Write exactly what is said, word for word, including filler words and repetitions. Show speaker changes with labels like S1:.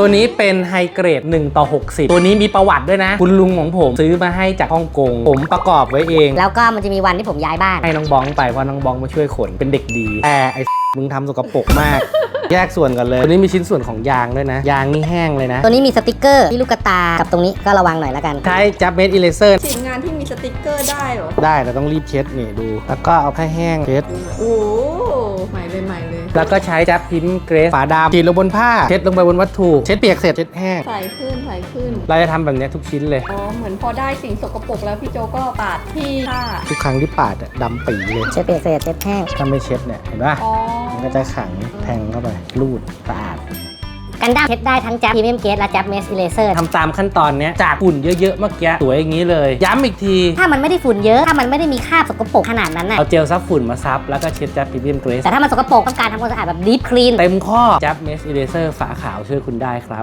S1: ตัวนี้เป็นไฮเกรดหนึ่งต่อหกสิบตัวนี้มีประวัติด้วยนะคุณลุงของผมซื้อมาให้จากฮ่องกงผมประกอบไว้เอง
S2: แล้วก็มันจะมีวันที่ผมย้ายบ้าน
S1: ให้น้องบ้องไปเพราะน้องบ้องมาช่วยขนเป็นเด็กดีแต่ไอ้มึงทำสกปรกมาก แยกส่วนกันเลยตัวนี้มีชิ้นส่วนของยางด้วยนะยางนี่แห้งเลยนะ
S2: ตัวนี้มีสติกเกอร์ที่ลูกตากับตรงนี้ก็ระวังหน่อยแล้วกัน
S1: ใช้จับเมดอิเลเซอร์
S3: ชิ้นงานที่มีสติกเกอร์ได้เหรอ
S1: ได้แต่ต้องรีบเช็ดนี่ดูแล้วก็เอาผ้าแห้งเช็ด
S3: โอ้ใหม่เลยใหม่เลย
S1: แล้วก็ใช้จับพิมพ์เกรสฝาดำฉีดลงบนผ้าเช็ดลงไปบนวัตถุเช็ดเปียกเสร็จเช็ดแห้ง
S3: ใส่ขึ้นใส่ขึ้น
S1: เราจะทำแบบนี้ทุกชิ้นเลย
S3: อ๋อเหมือนพอได้สิ่งสกปรกแล้วพี่โจก็ปาดที่ผ้า
S1: ทุกครั้งที่ปาดอะดำปีเลย
S2: เช็ดเปียกเสร็จเช็ดแห้ง
S1: ถ้าไม่เช็ดเนี่ยเห็นป่ะมันก็จะขังแทงเข้าไปรูดสะอาด
S2: กันดั้มเช็ดได้ทั้งแจ๊บพรีเมียมเกรดและแจ๊บเมสอิเลเซอร์
S1: ทำตามขั้นตอนนี้จากฝุ่นเยอะๆเมื่อกี้สวยอย่างนี้เลยย้ำอีกที
S2: ถ้ามันไม่ได้ฝุ่นเยอะถ้ามันไม่ได้มีคราบสกปรกขนาดนั้นน่ะ
S1: เอาเจลซับฝุ่นมาซับแล้วก็เช็ดจับพรีเมียมเกรส
S2: แต่ถ้ามันสกปรกต้องการทำความสะอาดแบบดีฟคลีน
S1: เต็มข้อจับเมสอิเลเซอร์ฝาขาวช่วยคุณได้ครับ